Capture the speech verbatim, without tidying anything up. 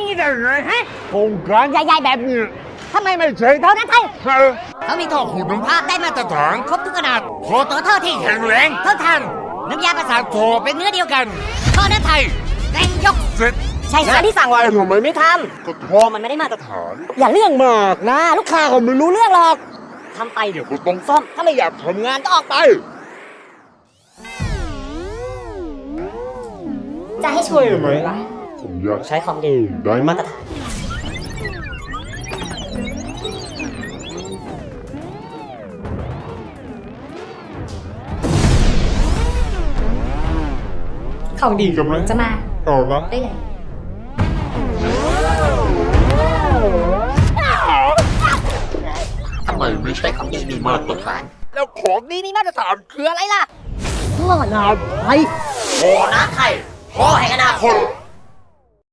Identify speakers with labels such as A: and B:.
A: นี้ได้ไงฮะโครงการใหญ่ๆแบบนี้ทำไมไม่ใช่เท่านั้นไทยเขามีท่อขุดลมพาได้มาตรฐานครบทุกขนาดโคตัวท่อที่แข็งแรงเท่าทันน้ำยาประสานโคเป็นเนื้อเดียวกันท่อนั้นไทยแรงยกเสร็จใช่ค่ะที่สั่งไว้ทำไมไม่ทำก็ท่อมันไม่ได้มาตรฐานอย่าเรื่องมากนะลูกค้าเขาไม่รู้เรื่องหรอกทำไปเดี๋ยวก็ต้องซ่อมถ้าไม่อยากทำงานก็ออกไปจะให้ช่วยไหมล่ะผมอยากใช้คอมดีได้มาตรฐาน
B: ของดีกำลังจะมา
A: เอาละ
B: ได้ไง
A: ทำไมไม่ใช่ของดีมีมาตรฐานแล้วของดีมีมาตรฐานคืออะไรล่ะพ่อนาไทยพ่อนาไทยพ่อแห่งอนาคต